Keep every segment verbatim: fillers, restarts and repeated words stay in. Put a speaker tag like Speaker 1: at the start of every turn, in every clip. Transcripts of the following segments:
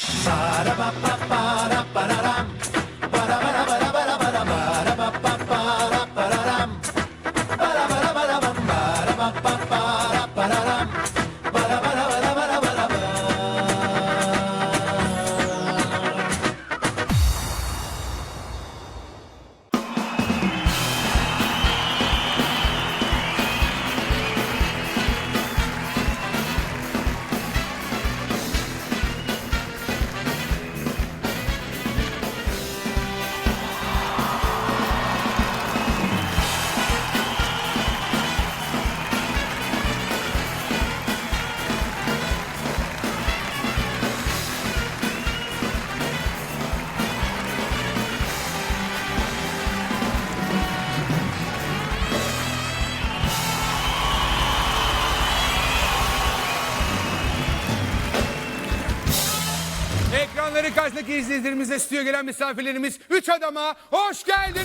Speaker 1: Ekranların karşısındaki izleyicilerimize, stüdyoya gelen misafirlerimiz, üç adama hoş geldiniz.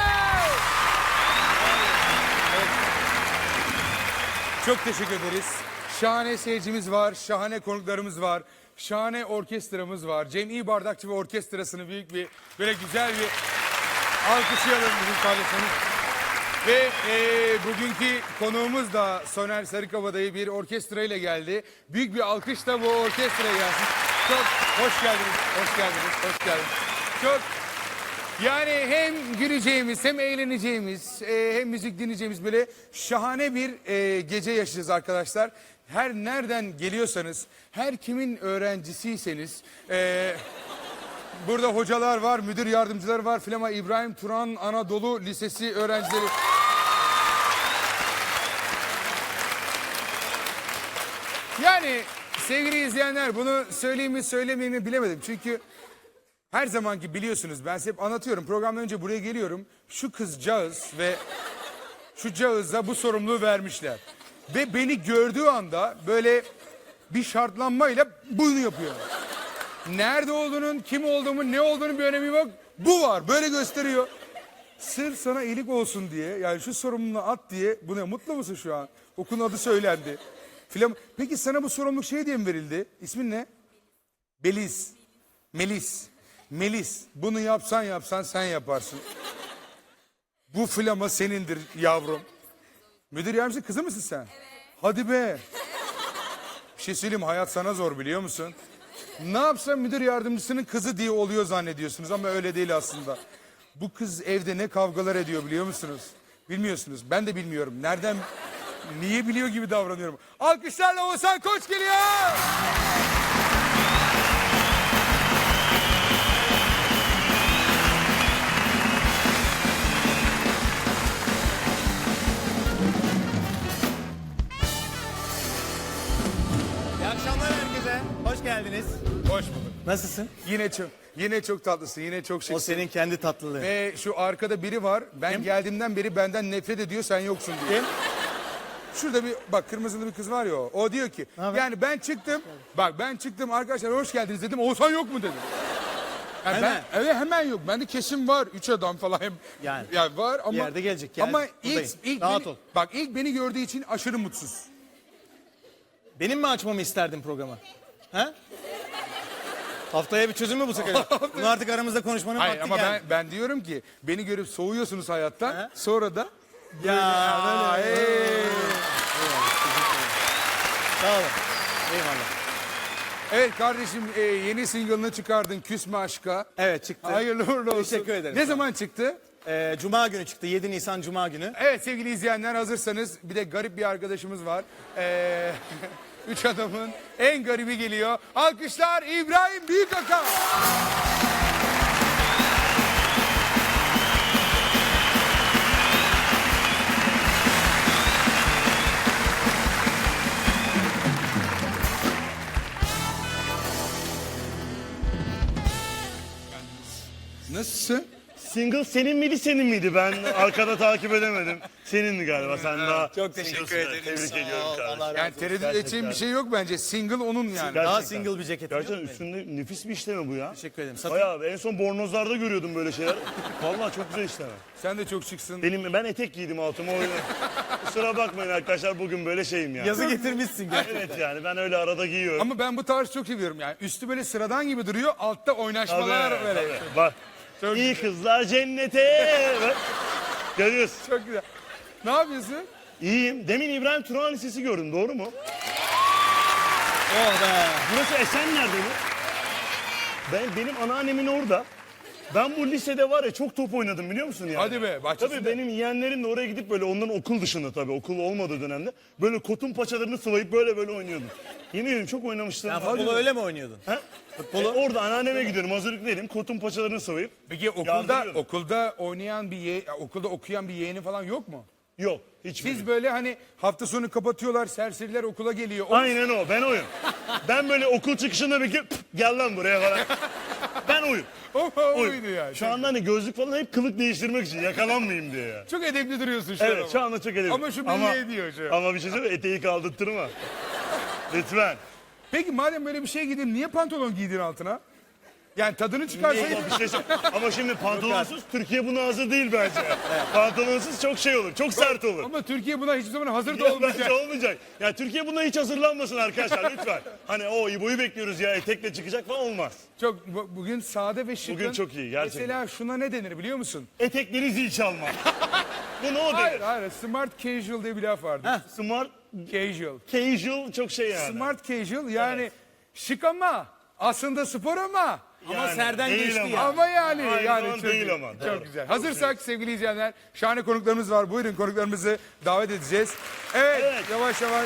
Speaker 1: Evet. Çok teşekkür ederiz. Şahane seyircimiz var, şahane konuklarımız var, şahane orkestramız var. Cem İyi Bardakçı ve orkestrasını büyük bir, böyle güzel bir alkışlayalım bizim kardeşimiz. Ve e, bugünkü konuğumuz da Soner Sarıkabadayı bir orkestra ile geldi. Büyük bir alkış da bu orkestraya gelsin. Çok hoş geldiniz, hoş geldiniz, hoş geldiniz. Çok yani hem güleceğimiz hem eğleneceğimiz e, hem müzik dinleyeceğimiz böyle şahane bir e, gece yaşayacağız arkadaşlar. Her nereden geliyorsanız, her kimin öğrencisiyseniz... E, burada hocalar var, müdür yardımcıları var, Flama İbrahim Turan Anadolu Lisesi öğrencileri. Yani sevgili izleyenler, bunu söyleyeyim mi söylemeyeyim mi bilemedim. Çünkü her zamanki biliyorsunuz, ben size hep anlatıyorum. Programdan önce buraya geliyorum. Şu kızcağız ve şu cağıza bu sorumluluğu vermişler. Ve beni gördüğü anda böyle bir şartlanmayla bunu yapıyor. Nerede olduğunun, kim olduğumun, ne olduğunun bir önemi yok. Bu var, böyle gösteriyor. Sırf sana iyilik olsun diye, yani şu sorumluluğu at diye. Buna mutlu musun şu an? Okulun adı söylendi. Filan. Peki sana bu sorumluluk şey diye mi verildi? İsmin ne? Beliz. Melis. Melis. Bunu yapsan yapsan sen yaparsın. Bu flama senindir yavrum. Müdür yardımcısı kızı mısın sen? Evet. Hadi be. Bir şey söyleyeyim, hayat sana zor biliyor musun? Ne yapsa müdür yardımcısının kızı diye oluyor zannediyorsunuz ama öyle değil aslında. Bu kız evde ne kavgalar ediyor biliyor musunuz? Bilmiyorsunuz. Ben de bilmiyorum. Nereden, niye biliyor gibi davranıyorum. Alkışlarla Oğuzhan Koç geliyor.
Speaker 2: İyi akşamlar herkese. Hoş geldiniz.
Speaker 1: Hoş bulduk.
Speaker 2: Nasılsın?
Speaker 1: Yine çok, yine çok tatlısın, yine çok şıksın.
Speaker 2: O senin kendi tatlılığın.
Speaker 1: Ve şu arkada biri var. Ben
Speaker 2: Kim?
Speaker 1: geldiğimden beri benden nefret ediyor, sen yoksun diyor.
Speaker 2: Kim?
Speaker 1: Şurada bir bak, kırmızılı bir kız var ya o. O diyor ki
Speaker 2: haber?
Speaker 1: yani ben çıktım. Bak ben çıktım, arkadaşlar hoş geldiniz dedim. Oğuzhan yok mu dedim. Yani
Speaker 2: Hemen.
Speaker 1: Ben, evet hemen yok. Bende kesin var. Üç adam falan. Hem,
Speaker 2: Yani.
Speaker 1: yani var ama.
Speaker 2: Bir yerde gelecek, gel,
Speaker 1: Ama ilk,
Speaker 2: buradayım.
Speaker 1: ilk
Speaker 2: Rahat
Speaker 1: beni,
Speaker 2: ol.
Speaker 1: Bak ilk beni gördüğü için aşırı mutsuz.
Speaker 2: Benim mi açmamı isterdin programı? Ha? Haftaya bir çözüm mü bulsak acaba? Bunu artık aramızda konuşmanın
Speaker 1: Hayır
Speaker 2: vakti
Speaker 1: ama
Speaker 2: geldi.
Speaker 1: ben, ben diyorum ki beni görüp soğuyorsunuz hayattan.
Speaker 2: He?
Speaker 1: Sonra da
Speaker 2: Ya
Speaker 1: Aa,
Speaker 2: böyle.
Speaker 1: hey.
Speaker 2: Sağ olun. Eyvallah.
Speaker 1: Evet kardeşim, e, yeni single'ını çıkardın, Küsme Aşka.
Speaker 2: Evet çıktı.
Speaker 1: Hayırlı uğurlu olsun.
Speaker 2: Teşekkür ederim.
Speaker 1: Ne zaman çıktı?
Speaker 2: Ee, Cuma günü çıktı. yedi Nisan Cuma günü.
Speaker 1: Evet sevgili izleyenler, hazırsanız bir de garip bir arkadaşımız var. Ee, üç adamın en garibi geliyor. Alkışlar İbrahim Büyükaka. Nasılsın?
Speaker 3: Single senin miydi senin miydi? Ben arkada takip edemedim. Senindi galiba sen daha.
Speaker 2: Çok teşekkür
Speaker 3: singlesın.
Speaker 2: ederim.
Speaker 3: Tebrik
Speaker 2: Sağ ol,
Speaker 3: ediyorum
Speaker 2: Allah
Speaker 3: kardeşim.
Speaker 2: razı
Speaker 1: Yani
Speaker 2: olsun.
Speaker 1: tereddüt
Speaker 3: Gerçekten.
Speaker 1: edeceğim bir şey yok bence. Single onun yani.
Speaker 2: Daha
Speaker 3: Gerçekten.
Speaker 2: single bir ceket.
Speaker 3: Gerçekten üstünde nefis bir işleme bu ya.
Speaker 2: Teşekkür ederim. Satayım.
Speaker 3: Bayağı en son bornozlarda görüyordum böyle şeyler. Vallahi çok güzel işleme.
Speaker 1: Sen de çok şıksın.
Speaker 3: Benim ben etek giydim altıma o yüzden. Kusura bakmayın arkadaşlar bugün böyle şeyim yani.
Speaker 2: Yazı getirmişsin gerçekten.
Speaker 3: Evet yani ben öyle arada giyiyorum.
Speaker 1: Ama ben bu tarzı çok seviyorum yani. Üstü böyle sıradan gibi duruyor. Altta oynaşmalar
Speaker 3: Tabii,
Speaker 1: böyle.
Speaker 3: tabii. Bak.
Speaker 1: Çok
Speaker 3: İyi kızlar cennete. Bak. Görüyorsun.
Speaker 1: Çok güzel. Ne yapıyorsun?
Speaker 3: İyiyim. Demin İbrahim Turan Lisesi gördüm doğru mu?
Speaker 2: Oh be.
Speaker 3: Burası Esenler'de mi? Ben, benim anneannemin orada. Ben bu lisede var ya çok top oynadım biliyor musun yani?
Speaker 1: Hadi be, bahçesinde.
Speaker 3: Tabii benim yeğenlerim de oraya gidip böyle onların okul dışında tabii okul olmadığı dönemde böyle kotun paçalarını sıvayıp böyle böyle oynuyordum. Yemin ediyorum çok oynamıştım.
Speaker 2: Sen futbolu öyle mi oynuyordun?
Speaker 3: Ha? E, orada anneanneme gidiyorum hazırlıklıydım kotun paçalarını sıvayıp.
Speaker 1: Peki okulda
Speaker 3: Yardırıyorum.
Speaker 1: okulda oynayan bir ye, okulda okuyan bir yeğeni falan yok mu?
Speaker 3: Yok hiçbir.
Speaker 1: Siz böyle hani hafta sonu kapatıyorlar, serseriler okula geliyor. O-
Speaker 3: Aynen o ben oyum. Ben böyle okul çıkışında bir "Pf, gel lan buraya falan. Ben oyum.
Speaker 1: O, o
Speaker 3: oyum.
Speaker 1: oydu yani.
Speaker 3: Şu anda hani gözlük falan hep kılık değiştirmek için yakalanmayayım diye ya.
Speaker 1: Çok edepli duruyorsun şu an
Speaker 3: Evet
Speaker 1: ama.
Speaker 3: şu anda çok edeyim.
Speaker 1: Ama şu belli ediyor şu.
Speaker 3: Ama bir şey söyleyeyim mi? Eteği kaldırtırma. Lütfen.
Speaker 1: Peki madem böyle bir şey giydin niye pantolon giydin altına? Yani tadını çıkarsaydın.
Speaker 3: Ama bir şey söyleyeyim. Ama şimdi pantolonsuz Türkiye buna hazır değil bence. Pantolonsuz çok şey olur. Çok sert olur.
Speaker 1: Ama Türkiye buna hiçbir zaman hazır da
Speaker 3: Ya
Speaker 1: olmayacak.
Speaker 3: bence olmayacak. Ya Türkiye buna hiç hazırlanmasın arkadaşlar lütfen. Hani o İbo'yu bekliyoruz ya etekle çıkacak falan olmaz.
Speaker 1: Çok bu- bugün sade ve şıkın.
Speaker 3: Bugün çok iyi, gerçekten.
Speaker 1: Mesela şuna ne denir biliyor musun?
Speaker 3: Etekleri zil çalma. Bu ne o
Speaker 1: Hayır
Speaker 3: denir?
Speaker 1: hayır smart casual diye bir laf vardı.
Speaker 3: Smart
Speaker 1: Casual.
Speaker 3: casual çok şey yani.
Speaker 1: Smart casual yani şık ama aslında spor ama.
Speaker 2: Ama
Speaker 3: Yani
Speaker 2: serden
Speaker 3: değil
Speaker 2: geçti
Speaker 3: ama.
Speaker 2: ya.
Speaker 1: Ama yani
Speaker 3: Aynı
Speaker 1: yani
Speaker 3: zaman
Speaker 1: çok,
Speaker 3: değil ama,
Speaker 1: çok
Speaker 3: doğru.
Speaker 1: güzel. Hazırsak sevgili izleyenler şahane konuklarımız var. Buyurun konuklarımızı davet edeceğiz. Evet,
Speaker 3: Evet.
Speaker 1: yavaş yavaş.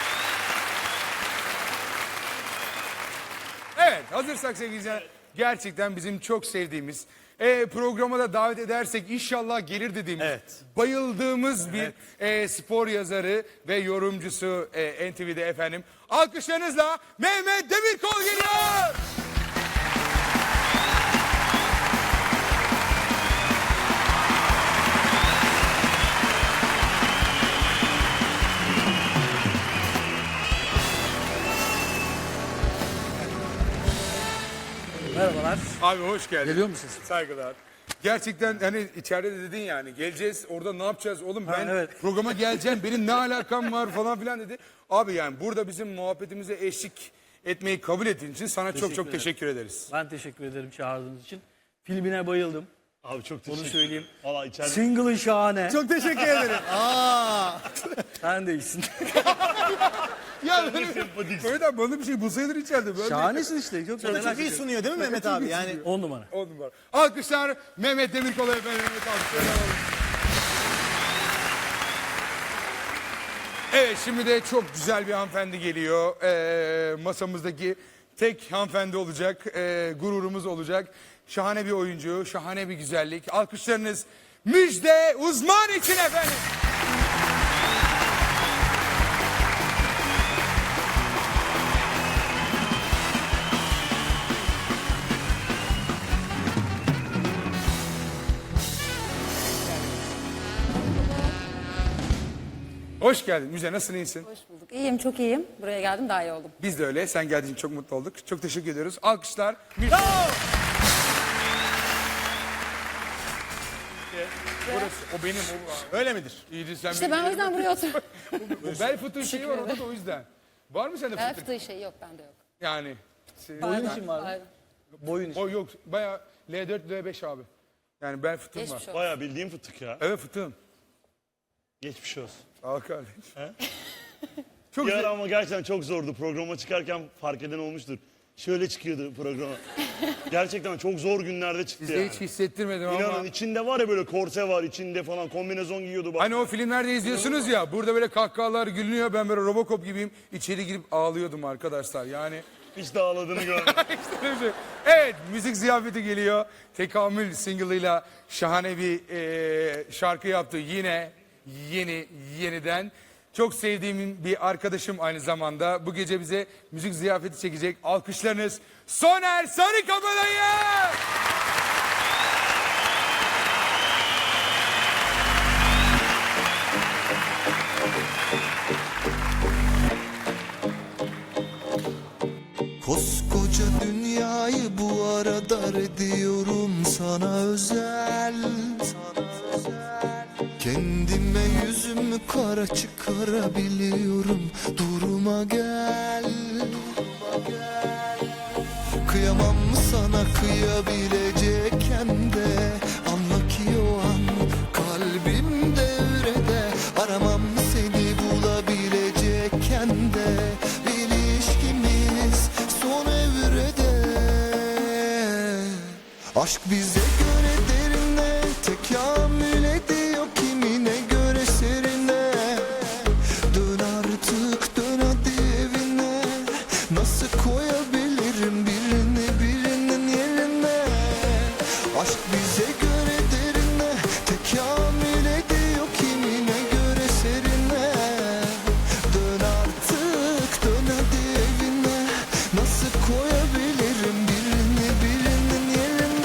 Speaker 1: Evet hazırsak sevgili izleyenler gerçekten bizim çok sevdiğimiz e, programa da davet edersek inşallah gelir dediğimiz
Speaker 2: Evet.
Speaker 1: bayıldığımız bir e, spor yazarı ve yorumcusu e, N T V'de efendim. Alkışlarınızla Mehmet Demirkol geliyor.
Speaker 4: Merhabalar.
Speaker 1: Abi hoş geldin.
Speaker 4: Geliyor musunuz?
Speaker 1: Saygılar. Gerçekten hani içeride de dedin yani geleceğiz orada ne yapacağız oğlum ben
Speaker 4: evet.
Speaker 1: programa geleceğim benim ne alakam var falan filan dedi. Abi yani burada bizim muhabbetimize eşlik etmeyi kabul ettiğin için sana çok çok
Speaker 4: ederim.
Speaker 1: teşekkür ederiz.
Speaker 4: Ben teşekkür ederim çağırdığınız için. Filmine bayıldım.
Speaker 3: Abi çok teşekkür
Speaker 4: Onu söyleyeyim.
Speaker 3: Valla içeride.
Speaker 4: Single'ı şahane.
Speaker 2: Çok teşekkür ederim. Aa.
Speaker 4: Sen de iyisin.
Speaker 1: Ya
Speaker 3: ne
Speaker 1: böyle,
Speaker 3: sempatiksin.
Speaker 1: böyle de bana bir şey bulsaydın içeride. Böyle
Speaker 4: Şahanesin işte. Çok
Speaker 2: Çok
Speaker 4: güzel.
Speaker 2: iyi sunuyor değil mi Mehmet abi? Yani
Speaker 4: On numara.
Speaker 1: On numara. Alkışlar Mehmet Demirkol'a efendim. Mehmet alkışlar alalım. Evet şimdi de çok güzel bir hanımefendi geliyor. Ee, masamızdaki tek hanımefendi olacak. Ee, gururumuz olacak. Şahane bir oyuncu, şahane bir güzellik. Alkışlarınız Müjde Uzman için efendim. Hoş geldin Müjde, nasılsın, iyisin?
Speaker 5: Hoş bulduk. İyiyim, çok iyiyim. Buraya geldim, daha iyi oldum.
Speaker 1: Biz de öyle. Sen geldiğin için çok mutlu olduk. Çok teşekkür ediyoruz. Alkışlar. Müjde. Burası, o benim. O,
Speaker 2: öyle midir?
Speaker 1: İyiydi sen
Speaker 5: İşte
Speaker 1: benim
Speaker 5: ben o yüzden buraya oturdum.
Speaker 1: O bel fıtığı şeyi var orada da o yüzden. Var mı sende
Speaker 5: Bel
Speaker 1: fıtık?
Speaker 5: fıtığı şey yok, bende yok.
Speaker 1: Yani. se-
Speaker 5: Boyun
Speaker 4: için var mı? Boyun için.
Speaker 1: O yok. Baya L dört L beş abi. Yani bel fıtığım var.
Speaker 5: Geçmiş olsun.
Speaker 3: Bayağı bildiğim fıtık ya.
Speaker 1: Evet fıtığım.
Speaker 3: Geçmiş olsun.
Speaker 1: Al kardeş. Çok
Speaker 3: Bir ara
Speaker 1: güzel.
Speaker 3: ama gerçekten çok zordu. Programa çıkarken fark eden olmuştur. Şöyle çıkıyordu programa. Gerçekten çok zor günlerde çıktı
Speaker 1: Size
Speaker 3: yani.
Speaker 1: hiç hissettirmedim ama.
Speaker 3: İnanın içinde var ya böyle korse var içinde falan kombinezon giyiyordu. Bak.
Speaker 1: Hani o filmlerde izliyorsunuz ya burada böyle kahkahalar gülünüyor ben böyle Robocop gibiyim içeri girip ağlıyordum arkadaşlar yani.
Speaker 3: Hiç de ağladığını görmedim.
Speaker 1: İşte öyle bir şey. Evet müzik ziyafeti geliyor. Tekamül single'ıyla şahane bir e, şarkı yaptı yine yeni yeniden. Çok sevdiğim bir arkadaşım aynı zamanda bu gece bize müzik ziyafeti çekecek. Alkışlarınız Soner Sarıkabadayı.
Speaker 6: Koskoca dünyayı bu ara dar ediyorum sana özel, sana özel. Kendime yüzümü kara çıkarabiliyorum. Duruma gel, duruma gel. Kıyamam mı sana kıyabilecekken de, anla ki o an kalbim devrede. Aramam seni bulabilecekken de, ilişkimiz son evrede. Aşk bize göre derine, tekamül ediyor kimine göre serine. Dön artık dön hadi evine, nasıl koyabilirim birini birinin yerine. Aşk bize göre derine, tekamül ediyor kimine göre serine. Dön artık dön hadi evine, nasıl koyabilirim birini birinin yerine.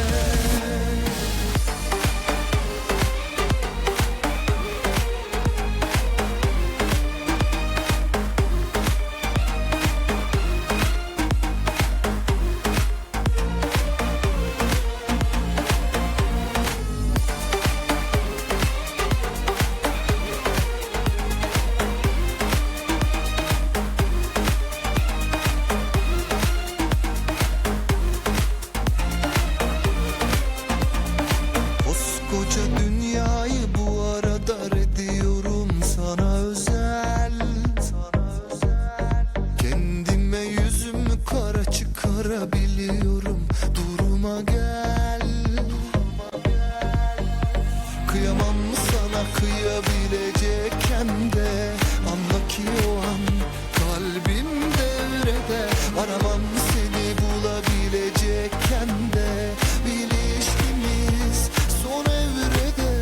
Speaker 6: Koskoca dünyayı bu ara dar ediyorum sana özel, sana özel. Kendime yüzümü kara çıkarabiliyorum. Duruma gel, duruma gel. Kıyamam mı sana kıyabilecekken de, anla ki o an kalbim devrede. Aramam seni bulabilecekken de, ilişkimiz son evrede.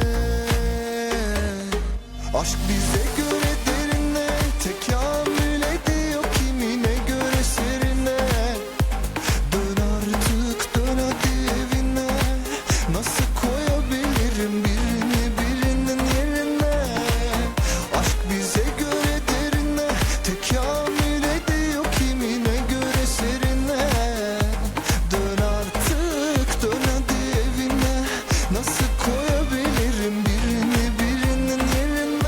Speaker 6: Aşk bize göre derine, tekamül ediyor kimine göre serine. Dön artık dön hadi evine, nasıl koyabilirim birini birinin yerine. Aşk bize göre derine, tekamül ediyor kimine göre serine. Dön artık dön hadi evine, nasıl koyabilirim birini birinin yerine.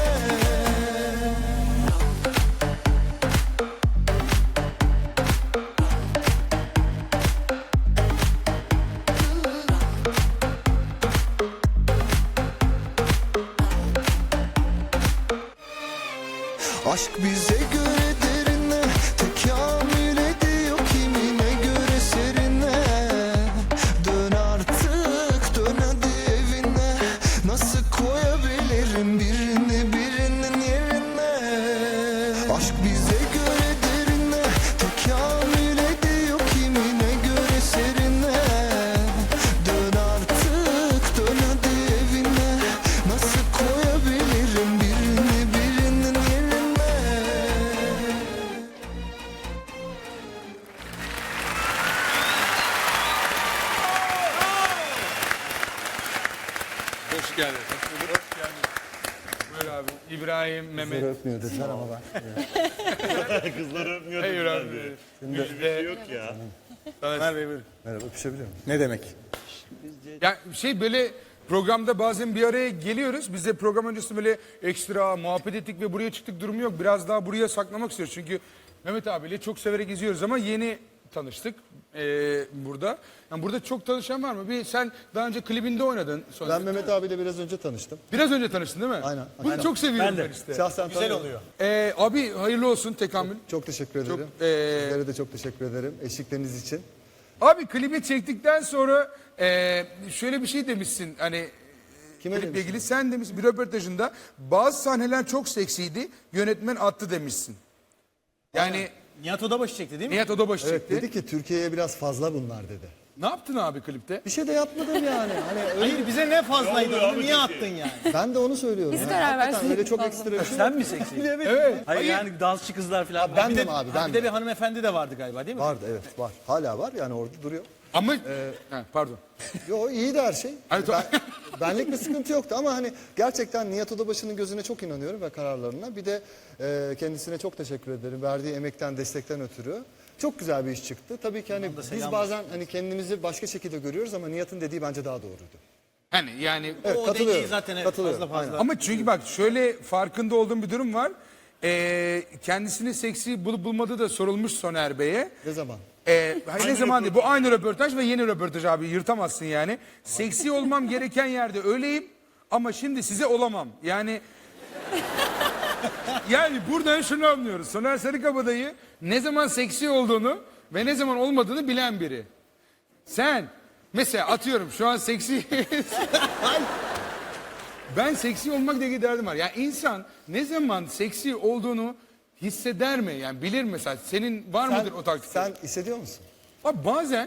Speaker 6: Aşk bize göre derine, tekamül ediyor kimine göre serine. Dön artık dön hadi evine, nasıl koyabilirim birini birinin yerine. Aşk bize göre derine, tekamül ediyor kimine göre serine. Dön artık dön hadi evine, nasıl koyabilirim birini birinin yerine.
Speaker 1: Hoş geldin. Hoş geldin. Buyur abi. İbrahim, Mehmet.
Speaker 4: Öpmüyor dediler ama ben.
Speaker 3: Kızları öpmüyor
Speaker 1: Hayır
Speaker 3: dediler
Speaker 1: abi.
Speaker 3: diye.
Speaker 1: Müjde.
Speaker 3: Bir şey yok ya.
Speaker 2: Ömer Bey buyurun.
Speaker 4: Merhaba, öpüşebilir miyim?
Speaker 2: Ne demek?
Speaker 1: Ya şey böyle programda bazen bir araya geliyoruz. Biz de program öncesi böyle ekstra muhabbet ettik ve buraya çıktık durumu yok. Biraz daha buraya saklamak istiyoruz. Çünkü Mehmet abiyle çok severek izliyoruz ama yeni tanıştık eee, burada. Yani burada çok tanışan var mı? Bir sen daha önce klibinde oynadın. Sonra.
Speaker 7: Ben Mehmet abiyle biraz önce tanıştım.
Speaker 1: Biraz önce tanıştın değil mi?
Speaker 7: Aynen.
Speaker 1: Bunu
Speaker 7: Aynen.
Speaker 1: çok seviyorum
Speaker 4: Ben
Speaker 1: ben,
Speaker 4: de.
Speaker 1: işte.
Speaker 7: Şahsen
Speaker 2: Güzel
Speaker 7: tanıyorum.
Speaker 2: oluyor.
Speaker 1: Eee, abi hayırlı olsun tekamül.
Speaker 7: Çok teşekkür ederim.
Speaker 1: eee,
Speaker 7: Sizlere de çok teşekkür ederim eşlikleriniz için.
Speaker 1: Abi klibi çektikten sonra eee, şöyle bir şey demişsin hani
Speaker 7: Kime
Speaker 1: kliple
Speaker 7: demişsin?
Speaker 1: ilgili sen demişsin bir röportajında bazı sahneler çok seksiydi yönetmen attı demişsin. Yani
Speaker 2: Nihat Odabaşı çekti değil mi?
Speaker 1: Nihat Odabaşı
Speaker 7: Evet
Speaker 1: çekti.
Speaker 7: dedi ki Türkiye'ye biraz fazla bunlar dedi.
Speaker 1: Ne yaptın abi klipte?
Speaker 7: Bir şey de yapmadım yani. Hani öyle,
Speaker 2: Hayır bize ne fazlaydı
Speaker 3: Ne oluyor
Speaker 2: onu
Speaker 3: abi
Speaker 2: niye
Speaker 3: peki?
Speaker 2: attın yani?
Speaker 7: ben de onu söylüyorum.
Speaker 5: Biz
Speaker 7: Yani
Speaker 5: karar
Speaker 7: hakikaten
Speaker 5: versek
Speaker 7: öyle çok
Speaker 5: fazla.
Speaker 7: ekstra bir şey
Speaker 4: Sen
Speaker 7: yok.
Speaker 4: mi seksi?
Speaker 1: Evet.
Speaker 4: Hayır yani dansçı kızlar falan.
Speaker 7: Ben
Speaker 2: Bir
Speaker 7: de
Speaker 2: de,
Speaker 7: abi
Speaker 2: ha,
Speaker 7: ben
Speaker 2: bir de
Speaker 7: de.
Speaker 2: bir hanımefendi de vardı galiba değil mi?
Speaker 7: Vardı evet var. Hala var yani orada duruyor.
Speaker 1: Ama
Speaker 7: Ee,
Speaker 1: ha, pardon.
Speaker 7: Yo iyiydi her şey.
Speaker 1: Evet,
Speaker 7: Ben, benlik bir sıkıntı yoktu ama hani gerçekten Nihat Odabaşı'nın gözüne çok inanıyorum ve kararlarına. Bir de e, kendisine çok teşekkür ederim. Verdiği emekten, destekten ötürü. çok güzel bir iş çıktı. Tabii ki hani biz
Speaker 2: selam
Speaker 7: bazen hani kendimizi başka şekilde görüyoruz ama Nihat'ın dediği bence daha doğruydu.
Speaker 1: Hani yani
Speaker 7: Evet,
Speaker 2: O
Speaker 7: katılıyorum.
Speaker 2: dengeyi zaten evet,
Speaker 7: Katılıyorum,
Speaker 2: fazla fazla.
Speaker 7: aynen.
Speaker 1: ama çünkü bak şöyle farkında olduğum bir durum var. Ee, kendisini seksi bulup bulmadığı da sorulmuş Soner Bey'e.
Speaker 7: Ne zaman?
Speaker 1: Ee, hayır, ne zaman değil. Bu aynı röportaj ve yeni röportaj abi. Yırtamazsın yani. Seksi olmam gereken yerde öyleyim ama şimdi size olamam. Yani yani buradan şunu anlıyoruz. Soner Sarıkabadayı ne zaman seksi olduğunu ve ne zaman olmadığını bilen biri. Sen mesela atıyorum şu an seksi... Ben seksi olmak diye derdim var. Yani insan ne zaman seksi olduğunu hisseder mi? Yani bilir mesela. Senin var
Speaker 7: Sen,
Speaker 1: mıdır o taktik?
Speaker 7: sen hissediyor musun?
Speaker 1: Abi bazen.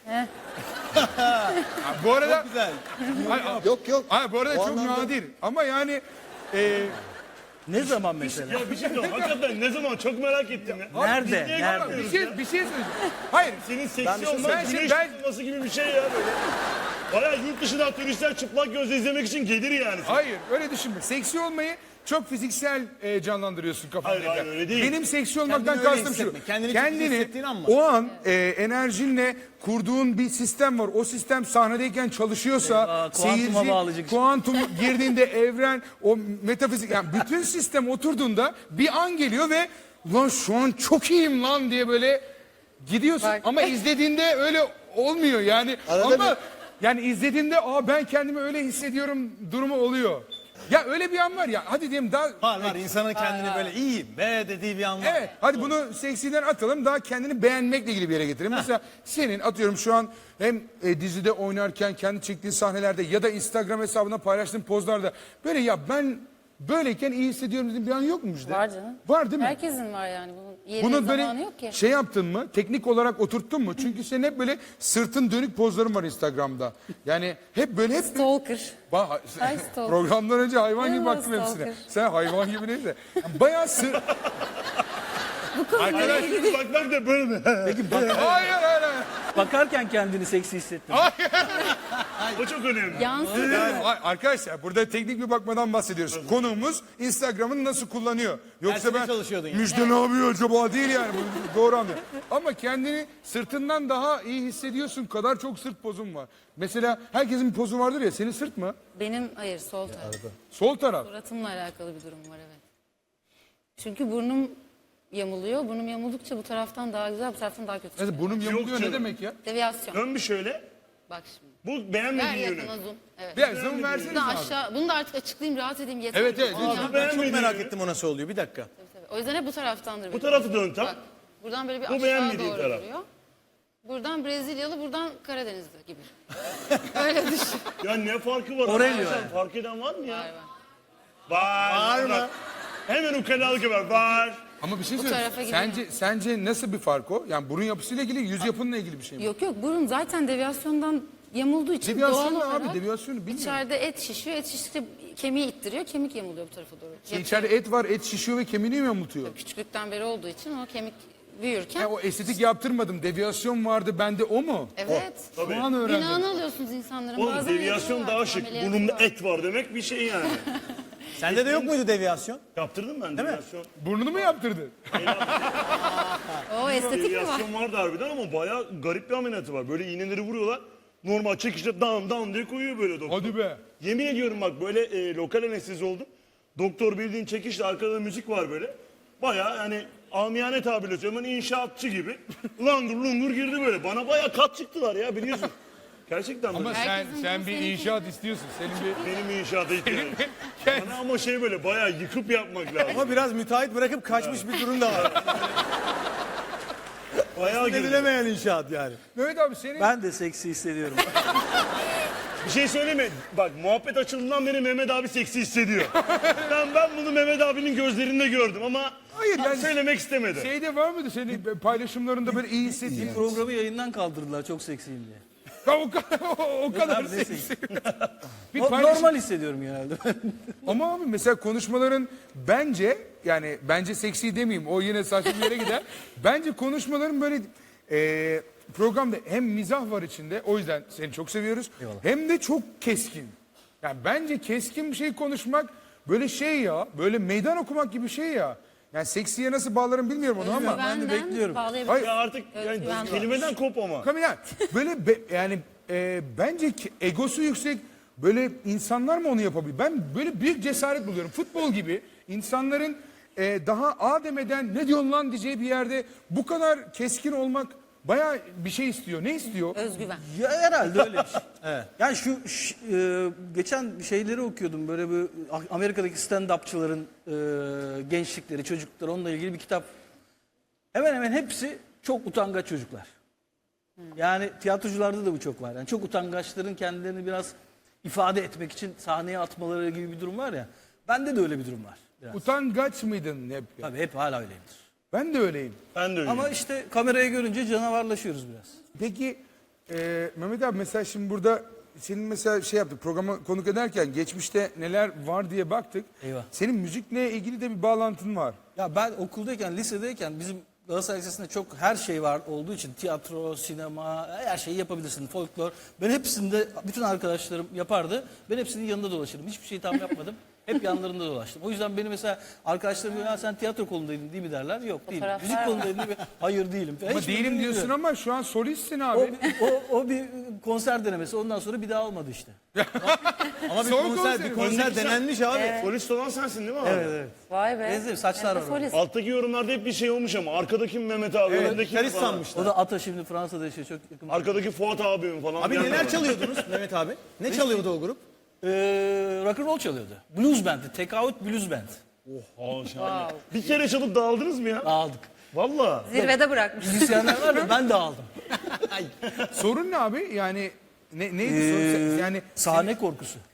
Speaker 1: Ha, bu arada.
Speaker 2: Çok güzel.
Speaker 1: Hayır, abi-
Speaker 7: Yok yok.
Speaker 1: hayır, bu arada
Speaker 7: O
Speaker 1: çok
Speaker 7: anlamda-
Speaker 1: nadir. Ama yani. E,
Speaker 4: Ne zaman mesela?
Speaker 3: Ya bir şey söyleyeyim. Hakikaten ne zaman çok merak ettim ya.
Speaker 4: Nerede?
Speaker 3: Niye
Speaker 4: Nerede?
Speaker 1: bir
Speaker 3: yapmıyoruz
Speaker 1: şey,
Speaker 3: ya?
Speaker 1: bir şey söyleyeceğim. Hayır.
Speaker 3: Senin
Speaker 7: Ben
Speaker 3: seksi
Speaker 7: bir şey
Speaker 3: olman
Speaker 1: söyleyeyim.
Speaker 3: güneş
Speaker 1: Ben-
Speaker 3: tutulması gibi bir şey ya böyle. Bayağı yurt dışından turistler çıplak gözle izlemek için gelir yani.
Speaker 1: Hayır öyle düşünme. Seksi olmayı çok fiziksel e, canlandırıyorsun kafanda.
Speaker 3: Hayır, hayır, öyle değil.
Speaker 1: Benim seksi olmaktan
Speaker 2: Kendini öyle
Speaker 1: kastım şu.
Speaker 2: hissetme. Kendini çok iyi hissettiğin an var.
Speaker 1: o an e, enerjinle kurduğun bir sistem var. O sistem sahnedeyken çalışıyorsa
Speaker 4: Eyvah, kuantuma
Speaker 1: seyirci
Speaker 4: bağlayacak.
Speaker 1: kuantum girdiğinde evren o metafizik yani bütün sistem oturduğunda bir an geliyor ve lan şu an çok iyiyim lan diye böyle gidiyorsun
Speaker 5: Bak.
Speaker 1: ama izlediğinde öyle olmuyor yani.
Speaker 7: Arada
Speaker 1: ama
Speaker 7: bir-
Speaker 1: yani izlediğinde aa ben kendimi öyle hissediyorum durumu oluyor. Ya öyle bir an var ya hadi diyelim daha
Speaker 2: Var var insanın kendini böyle iyiyim be dediği bir an var.
Speaker 1: evet hadi bunu seksiden atalım daha kendini beğenmekle ilgili bir yere getirelim. Mesela senin atıyorum şu an hem e, dizide oynarken kendi çektiğin sahnelerde ya da Instagram hesabına paylaştığın pozlarda böyle ya ben böyleyken iyi hissediyorum dediğin bir an yok mu Müjde?
Speaker 5: Var canım.
Speaker 1: Var değil mi?
Speaker 5: Herkesin var yani. Bunun yeri
Speaker 1: Bunu
Speaker 5: zamanı
Speaker 1: böyle
Speaker 5: yok ki.
Speaker 1: şey yaptın mı? Teknik olarak oturttun mu? Çünkü senin hep böyle sırtın dönük pozların var Instagram'da. Yani hep böyle hep
Speaker 5: Stalker.
Speaker 1: Ba-
Speaker 5: Ay, stalker.
Speaker 1: programdan önce hayvan gibi
Speaker 5: Evet,
Speaker 1: baktım hepsine.
Speaker 5: stalker.
Speaker 1: Sen hayvan gibi neyse. Bayağı sır... Arkadaş
Speaker 3: Bakmak da böyle mi?
Speaker 1: hayır hayır hayır.
Speaker 4: Bakarken kendini seksi hissettin.
Speaker 3: O çok önemli.
Speaker 5: Yansıdı.
Speaker 1: Yani, a- arkadaşlar burada teknik bir bakmadan bahsediyoruz. Konuğumuz Instagram'ını nasıl kullanıyor. Yoksa
Speaker 2: Dersine
Speaker 1: ben
Speaker 2: çalışıyordun yani.
Speaker 1: Müjde ne yapıyor acaba değil yani. Bu doğru anlıyor. Ama kendini sırtından daha iyi hissediyorsun kadar çok sırt pozun var. Mesela herkesin bir pozu vardır ya senin sırt mı?
Speaker 5: Benim hayır sol taraf.
Speaker 1: Sol taraf.
Speaker 5: Suratımla alakalı bir durum var evet. Çünkü burnum yamuluyor. Burnum yamuldukça bu taraftan daha güzel, bu taraftan daha kötü.
Speaker 1: Mesela burnum yamuluyor ne
Speaker 3: canım.
Speaker 1: demek ya?
Speaker 5: Deviyasyon.
Speaker 3: Dön bir şöyle.
Speaker 5: Bak şimdi.
Speaker 3: Bu
Speaker 5: Ver
Speaker 3: beğenmediğin yönü.
Speaker 5: yakına zoom. Evet.
Speaker 1: Biraz zaman verseniz
Speaker 5: Bunu da
Speaker 1: abi.
Speaker 5: aşağı, bunu da artık açıklayayım, rahat edeyim yeter.
Speaker 1: Evet, evet,
Speaker 5: Aa,
Speaker 1: lütfen.
Speaker 5: ya.
Speaker 2: Ben çok
Speaker 3: Beğenmediğin
Speaker 2: merak
Speaker 3: yönü.
Speaker 2: ettim o nasıl oluyor bir dakika.
Speaker 5: Tabii. O yüzden hep bu taraftandır.
Speaker 3: Bu
Speaker 5: benim.
Speaker 3: tarafı dön tam.
Speaker 5: Bak, buradan böyle bir
Speaker 3: Bu
Speaker 5: aşağı
Speaker 3: beğenmediğin
Speaker 5: doğru
Speaker 3: taraf.
Speaker 5: duruyor. Buradan Brezilyalı, buradan Karadenizli gibi. Öyle düşün.
Speaker 3: Ya ne farkı var?
Speaker 4: Aurelio
Speaker 3: Arkadaşlar,
Speaker 4: yani.
Speaker 3: fark eden var mı ya?
Speaker 5: Var, var.
Speaker 3: Var.
Speaker 2: Var mı?
Speaker 3: Hemen ukalalık var. Var.
Speaker 1: Ama bir şey
Speaker 5: Bu
Speaker 1: söyleyeyim.
Speaker 5: tarafa gidiyor.
Speaker 1: Sence, sence nasıl bir fark o? Yani burun yapısıyla ilgili, yüz yapınla ilgili bir şey mi?
Speaker 5: Yok yok, burun zaten deviyasyondan yamulduğu için
Speaker 1: Deviyasyon
Speaker 5: doğal
Speaker 1: ne abi?
Speaker 5: olarak
Speaker 1: Deviyasyonu bilmiyorum.
Speaker 5: içeride et şişiyor, et şiştikçe kemiği ittiriyor, kemik yamuluyor bu tarafa doğru.
Speaker 1: Şey, İçeride et var, et şişiyor ve kemiğini mi yamultuyor?
Speaker 5: Küçüklükten beri olduğu için o kemik büyürken.
Speaker 1: Ya o estetik yaptırmadım, deviyasyon vardı bende o mu?
Speaker 5: Evet.
Speaker 1: Şu an öğrendim.
Speaker 5: Günahını alıyorsunuz insanların.
Speaker 3: Oğlum
Speaker 5: Bazen
Speaker 3: deviyasyon
Speaker 5: yapıyorlar,
Speaker 3: daha şık.
Speaker 5: ameliyatı
Speaker 3: Burnumda
Speaker 5: var.
Speaker 3: et var demek bir şey yani.
Speaker 2: Sende de yok muydu deviyasyon?
Speaker 3: Yaptırdım ben deviyasyon.
Speaker 1: Burnunu mu yaptırdın?
Speaker 5: O estetik mi var?
Speaker 3: Deviyasyon vardı harbiden ama bayağı garip bir ameliyatı var. Böyle iğneleri vuruyorlar. Normal çekişte dam dam diye koyuyor böyle doktor.
Speaker 1: Hadi be.
Speaker 3: Yemin ediyorum bak böyle e, lokal anestezi oldum. Doktor bildiğin çekişle arkada müzik var böyle. Bayağı yani amiyane tabirle söylüyorum hani inşaatçı gibi. Langur lungur girdi böyle. Bana bayağı kat çıktılar ya biliyorsun. Gerçekten böyle.
Speaker 1: Ama sen
Speaker 5: Herkesin
Speaker 1: sen
Speaker 5: bunu
Speaker 1: bir
Speaker 5: seninki-
Speaker 1: inşaat istiyorsun. Senin bir...
Speaker 3: Benim inşaata ihtiyacım. Bana ama şey böyle bayağı yıkıp yapmak lazım.
Speaker 2: Ama biraz müteahhit bırakıp kaçmış bir durum da var.
Speaker 3: Bayağı girdi.
Speaker 2: Edilemeyen inşaat yani.
Speaker 1: Mehmet abi senin...
Speaker 4: Ben de seksi hissediyorum.
Speaker 3: Bir şey söyleyeyim mi? Bak muhabbet açıldığından beri Mehmet abi seksi hissediyor. ben ben bunu Mehmet abinin gözlerinde gördüm ama
Speaker 1: Hayır, yani-
Speaker 3: söylemek istemedi.
Speaker 1: Şeyde var mıydı senin paylaşımlarında böyle iyi hissettiğin?
Speaker 4: Programı yayından kaldırdılar çok seksiyim diye.
Speaker 1: Ya o kadar, o kadar
Speaker 4: Abi ne
Speaker 1: seksi. bir
Speaker 4: No-
Speaker 1: paylaşım...
Speaker 4: Normal hissediyorum genelde.
Speaker 1: Ama abi mesela konuşmaların bence yani bence seksi demeyeyim o yine saçma bir yere gider. Bence konuşmaların böyle e, programda hem mizah var içinde o yüzden seni çok seviyoruz. Hem de çok keskin. Yani bence keskin bir şey konuşmak böyle şey ya böyle meydan okumak gibi bir şey ya. Yani seksiye nasıl bağlarım bilmiyorum onu ama.
Speaker 4: ben de bekliyorum.
Speaker 5: bağlayabilirim.
Speaker 1: Hayır.
Speaker 3: Ya artık yani
Speaker 5: Özgüven var.
Speaker 3: kelimeden kop ama.
Speaker 1: Kamila böyle be- yani e, bence ki egosu yüksek böyle insanlar mı onu yapabilir? Ben böyle büyük cesaret buluyorum. Futbol gibi insanların e, daha A demeden ne diyorsun lan diyeceği bir yerde bu kadar keskin olmak bayağı bir şey istiyor. Ne istiyor?
Speaker 5: Özgüven.
Speaker 4: Ya herhalde öyle bir şey. evet. Yani şu ş- e, geçen şeyleri okuyordum böyle bir Amerika'daki stand-upçıların e, gençlikleri, çocukları onunla ilgili bir kitap. Hemen hemen hepsi çok utangaç çocuklar. Yani tiyatrocularda da bu çok var. Yani çok utangaçların kendilerini biraz ifade etmek için sahneye atmaları gibi bir durum var ya. Bende de öyle bir durum var. Biraz.
Speaker 1: Utangaç mıydın hep? ya?
Speaker 4: Tabii hep hala öyleyimdir.
Speaker 1: Ben de öyleyim.
Speaker 3: Ben de öyle.
Speaker 4: Ama işte kamerayı görünce canavarlaşıyoruz biraz.
Speaker 1: Peki e, Mehmet abi mesela şimdi burada senin mesela şey yaptık programa konuk ederken geçmişte neler var diye baktık.
Speaker 4: Eyvah.
Speaker 1: Senin müzikle ilgili de bir bağlantın var.
Speaker 4: Ya ben okuldayken, lisedeyken bizim Galatasaray Lisesi'nde çok her şey var olduğu için tiyatro, sinema, her şeyi yapabilirsin, folklor. Ben hepsinde, bütün arkadaşlarım yapardı. Ben hepsinin yanında dolaşırdım. Hiçbir şey tam yapmadım. Hep yanlarında dolaştım. O yüzden beni mesela arkadaşlarım diyor, "Ha, sen tiyatro kolundaydın değil mi?" derler. Yok değilim.
Speaker 5: Fotoğraflar
Speaker 4: Müzik
Speaker 5: var.
Speaker 4: kolundaydın değil mi? Hayır değilim.
Speaker 1: Ama
Speaker 4: Hiçbirini
Speaker 1: değilim diyorsun
Speaker 4: bilmiyorum.
Speaker 1: ama şu an solistsin
Speaker 4: O,
Speaker 1: abi.
Speaker 4: o, o bir konser denemesi. Ondan sonra bir daha olmadı işte.
Speaker 2: Ama bir
Speaker 1: Son
Speaker 2: konser,
Speaker 1: konseri.
Speaker 2: bir konser denenmiş abi.
Speaker 3: Solist olan sensin değil mi abi?
Speaker 4: Evet evet.
Speaker 5: Vay be.
Speaker 4: Benziyor, saçlar
Speaker 5: Hem de
Speaker 4: var orada.
Speaker 5: solist.
Speaker 3: Alttaki yorumlarda hep bir şey olmuş ama arkadaki Mehmet abi, önündeki
Speaker 2: Gitarist
Speaker 3: falan.
Speaker 2: sanmışlar.
Speaker 4: O da Ata şimdi Fransa'da yaşıyor. Çok yakın.
Speaker 3: Arkadaki Fuat abim falan.
Speaker 2: Abi
Speaker 3: diyenler
Speaker 2: neler
Speaker 3: var.
Speaker 2: çalıyordunuz Mehmet abi? Ne çalıyordu o grup?
Speaker 4: Ee, rock and roll çalıyordu. Blues band'i. Take Out Blues Band.
Speaker 3: Aa, şahane. Bir kere çalıp dağıldınız mı ya?
Speaker 4: Aldık.
Speaker 3: Valla.
Speaker 5: Zirvede bırakmış.
Speaker 4: Müzisyenler var da ben de aldım.
Speaker 1: Sorun ne abi? Yani ne, neydi
Speaker 4: Ee,
Speaker 1: sorun? Sen- Yani
Speaker 4: Sahne korkusu.